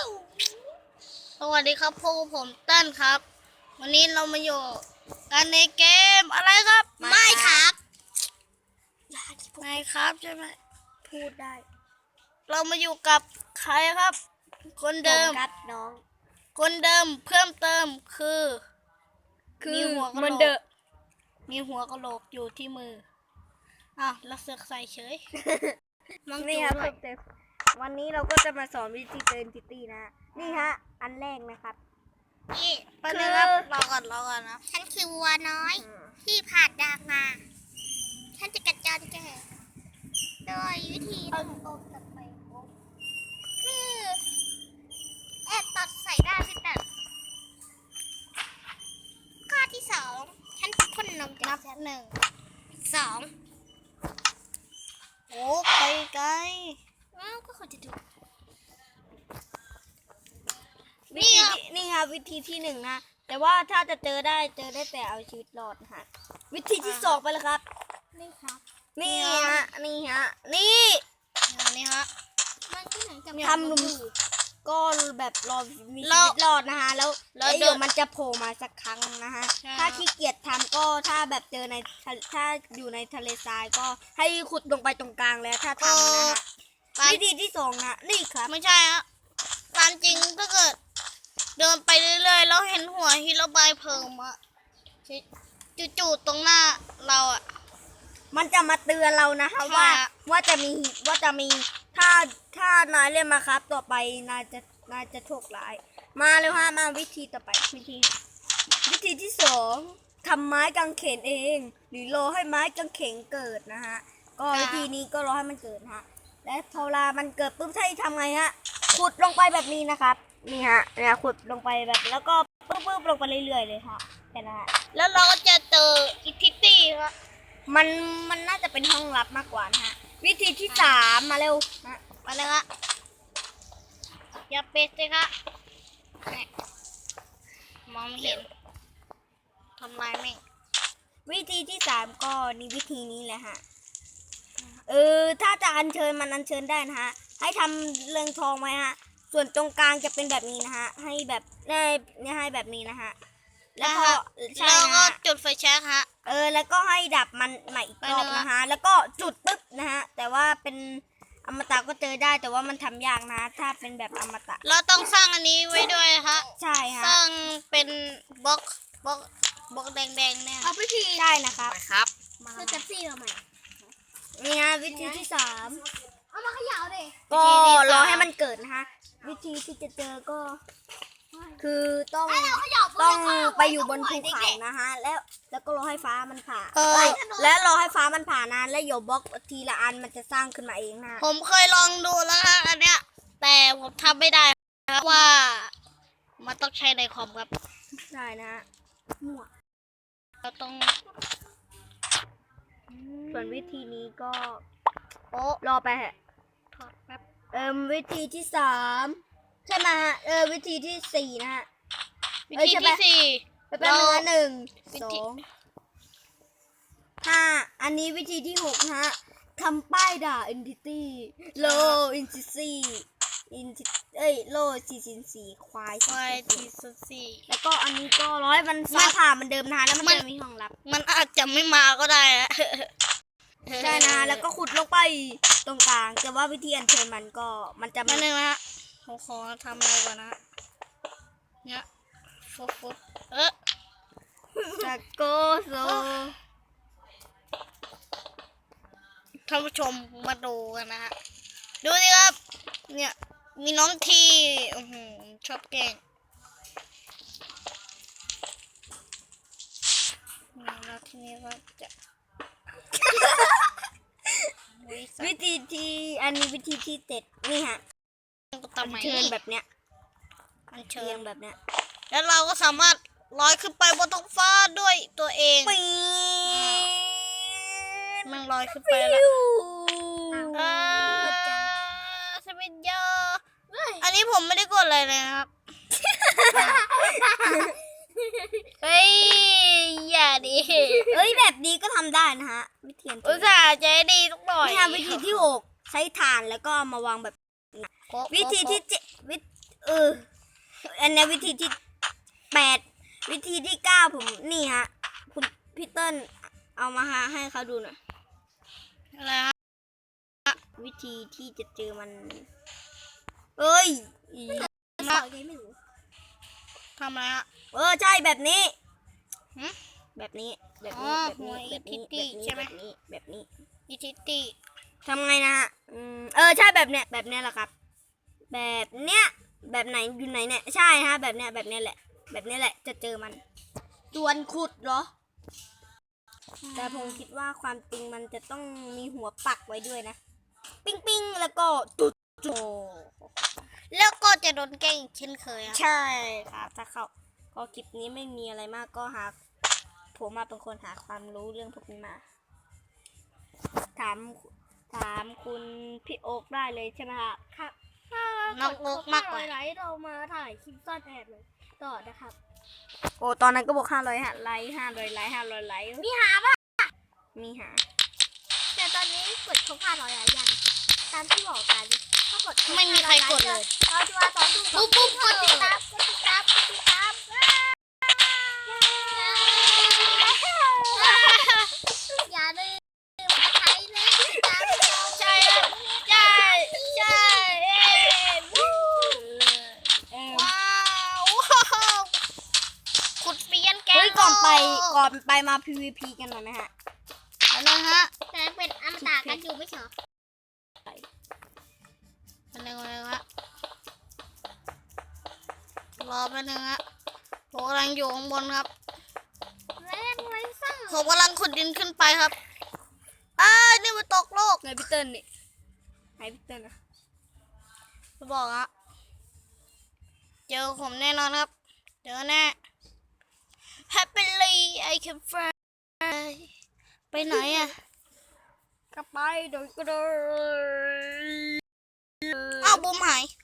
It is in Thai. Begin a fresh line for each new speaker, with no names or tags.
สวัสดีครับพวกผมเต้นครับวันนี้เรามาอยู่กันในเกมอะไรครับไม่ครับไม่ครับใช่ไหม
พูดได้
เรามาอยู่กับใครครับ คนเดิม
ครับน้อง
คนเดิมเพิ่มเติมคือมีหัวกะโหลกมีหัวกะโหลกอยู่ที่มือแล้วเสือกใส่เฉย
นี่ครับวันนี้เราก็จะมาสอนวิธีเจอ entity นะ นี่ฮะ อันแรกนะครับ
นี่ไปเลยครับรอก่อนนะฉันคือวัวน้อยที่ผ่านดางมาฉันจะกัดจานแกโดยวิธีต้องโอบตัดไปคือแอบตัดใส่ได้พี่ตัดข้อที่สองฉันพ่นนมจาก1 2โอ้ไปไกลก็ควรจะดู
นี่ครับวิธีที่หนึ่งนะ แต่ว่าถ้าจะเจอได้แต่เอาชีวิตรอดนะฮะ วิธีที่สองไปเลยครับ
นี่ครับ
นี่ฮะ นี่
นี่ฮะมันที่ไหนจะ
ทำหนุ่มก็แบบรอมีชีวิตรอดนะฮะ แล้วเดี๋ยวมันจะโผล่มาสักครั้งนะฮะ ถ้าขี้เกียจทำก็ถ้าแบบเจอถ้าอยู่ในทะเลทรายก็ให้ขุดลงไปตรงกลางแล้วถ้าทำนะฮะ วิธีที่สองนะนี่ครับ
ไม่ใช่ฮะตามจริงถ้าเกิดเดินไปเรื่อยๆแล้วเห็นหัวฮิโรบายเพิ่มอะจู่ๆตรงหน้าเราอะ
มันจะมาเตือนเรานะคะ
ใช่
ว่าจะมีถ้านายเล่นมาครับต่อไปนายจะโชคร้ายมาเลยฮะมาวิธีต่อไปวิธีที่สองทำไม้กางเขนเองหรือรอให้ไม้กางเขนเกิดนะฮะก็วิธีนี้ก็รอให้มันเกิดฮะและพอเวลามันเกิดปุ๊บให้ทำไงฮะขุดลงไปแบบนี้นะครับนี่ฮะเนี่ยขุดลงไปแบบแล้วก็ปึ๊บลงไปเรื่อยๆเลยค่ะแค่นั้นฮะ
แล้วเราก็จะเจออิทธิตี้ครับ
มันน่าจะเป็นห้องลับมากกว่านะฮะวิธีที่สามมาเร็วนะ
มาเลยครับอย่าเป็ดเลยครับมองไม่เห็นทำลายแม่ง
วิธีที่สามก็นี่วิธีนี้แหละฮะถ้าจะอัญเชิญมันอัญเชิญได้นะฮะให้ทำเรืองทองไว้ฮะส่วนตรงกลางจะเป็นแบบนี้นะฮะให้แบบเนี่ยให้แบบนี้นะฮะแล้วก็ใช่
แล้ว
นะ
ก็
ฮะ
จุดไฟแช็กฮะ
แล้วก็ให้ดับมันใหม่อีกรอบนะฮะแล้วก็จุดปึ๊บนะฮะแต่ว่าเป็นอมตะก็เจอได้แต่ว่ามันทำยากนะถ้าเป็นแบบอมตะ
เราต้องสร้างอันนี้ไว้ด้วยฮะ
ใช่ฮะ
สร้างเป็นบล็อกแดงๆเนี่ย
เอาวิธีได้นะครับ
ครับ
คือจับซี่เราใหม่นี่ฮะวิธีที่สาม
เอามาเขย่าดิ
ก็รอให้มันเกิดนะคะวิธีที่จะเจอก็ คือต้องไปอยู่บนภูเขานะฮะแล้วก็รอให้ฟ้ามันผ่าและรอให้ฟ้ามันผ่านานแล้วโยบล็อกทีละอันมันจะสร้างขึ้นมาเองนะ
ผมเคยลองดูแล้วฮะอันเนี้ยแต่ผมทำไม่ได้ครับว่ามันต้องใช้ในคอมครับ
ใช่นะฮะมั่ว
เราต้อง
ส่วนวิธีนี้ก็
โอ้
รอไปฮะ
ถอดแป๊บ
วิธีที่สามใช่ไหมฮะวิธีที่สี่นะฮะ
วิธีที่สี่
ไปเป็นหนึ่ง
วิ
ส
ธี
องห้าอันนี้วิธีที่หกนะฮะทำป้ายด่า entity low entity low 444ควาย
ไฟที่สี่
แล้วก็อันนี้ก็ร้อยมันฟ้าผ่ามันเดิมนะฮะแล้วมันจะมีห้องลับ
มันอาจจะไม่มาก็ได้อะ
ใช่นะแล้วก็ขุดลงไปตรงกลางแต่ว่าวิธีอัญเชิญมันจะ
มาหนึ่งนะฮะผมขอทำอะไรก่อนนะฮะเนี่ยฟุบ
สะโกโซ
ท่านผู้ชมมาดูกันนะฮะดูสิครับเนี่ยมีน้องที่ชอบแกล้งแล้วทีนี้ก็จะ
วิธีที่อันนี้วิธีที่เจ็ดนี่ฮะ
ทำไม
เชิญแบบเนี้ย
มันเชิ
เชิ
ญ
ญแบบเนี้ย
แล้วเราก็สามารถลอยขึ้นไปบนท้องฟ้าด้วยตัวเอง
ปี๊
มันลอยขึ้นไปแล้วสวิตยออันนี้ผมไม่ได้กดอะไรเลยนะครับ เฮ้ยอย่าดิ
แบบนี้ก็ทำได้นะฮะวิธี
อุตส่าห์ใจดีสักหน่อย
นี่ฮะวิธีที่หกใช้ถ่านแล้วก็มาวางแบบวิธีที่เจ็ดอันนี้วิธีที่8วิธีที่9ผมนี่ฮะคุณพี่เติ้ลเอามาให้เขาดูหน่อย
อะไรฮะ
วิธีที่จะเจอมันเอ้ย
มาไม่รู้ทำอะไรฮะ
ใช่แบบนี้
หึ
แบบนี้แบบ
อ๋
นี้
อ
แบบ
หัว
นี้
อี
แบบนี้
ทิตตี้ใช่ไหม
แบบนี้
อิทิติ
ทำไงนะฮะใช่แบบเนี้ยแหละครับ แบบเนี้ยแบบไหนอยู่ไหนเนี่ยใช่ฮะแบบเนี้ยแหละ แบบนี้แหละจะเจอมันส่วนขุดเหรอ แต่ผมคิดว่าความจริงมันจะต้องมีหัวปักไว้ด้วยนะ ปิ้งแล้วก็จุดโจ
แล้วก็จะโดนแกล้งอีกเช่นเคยอ่ะ
ใช่ครับถ้าเขาก็คลิปนี้ไม่มีอะไรมากก็ผมมาเป็นคนหาความรู้เรื่องพวกนี้มา ถามคุณพี่โอ๊กได้เลยใช่ไหมครับ
ครับ
น้องโอ๊กมากกว่า
ไลฟ์เรามาถ่ายคลิปซ่อนแอบเลยต่อนะครับ
โอ้ตอนนั้นก็บอก500ไลค์500ไลค์500ไลค์
มีหาป่ะ
มีหา
แต่ตอนนี้กดครบ500แล้วยังตามที่บอกกันถ้ากดบ
ไม่มีใครกดเลย
เราจะมาสอนดู
ปุ๊บๆ
กดติดตามกดติดตามกดติดตามอย่าลืมใช้เลยติดตามเรา
ใช่ใช่ใช่ว้าวขุดเปลี่ยนแกง
เฮ้ยก่อนไปมา PVP กันหน่อยไหมฮะ
แล้วนะฮะ
แต่เป็นอมตะกันอยู่ไม่ใช่เหรอ
เป็นยังไงฮะรอแป๊บนึงฮะผมกำลังอยู่ข้างบนครับ
เล่นไว้ซ่า
ผมกำลังขุดดินขึ้นไปครับนี่มันตกโลก
ไหนพี่เติ้ลนี่ไหนพี่เติ้ลนะ
จะบอกฮะเจอผมแน่นอนครับ เจอแน่ Happily I can fly ไปไหนอ่ะ
ก็ไปโดยก็โดย
อ้าวบุมหาย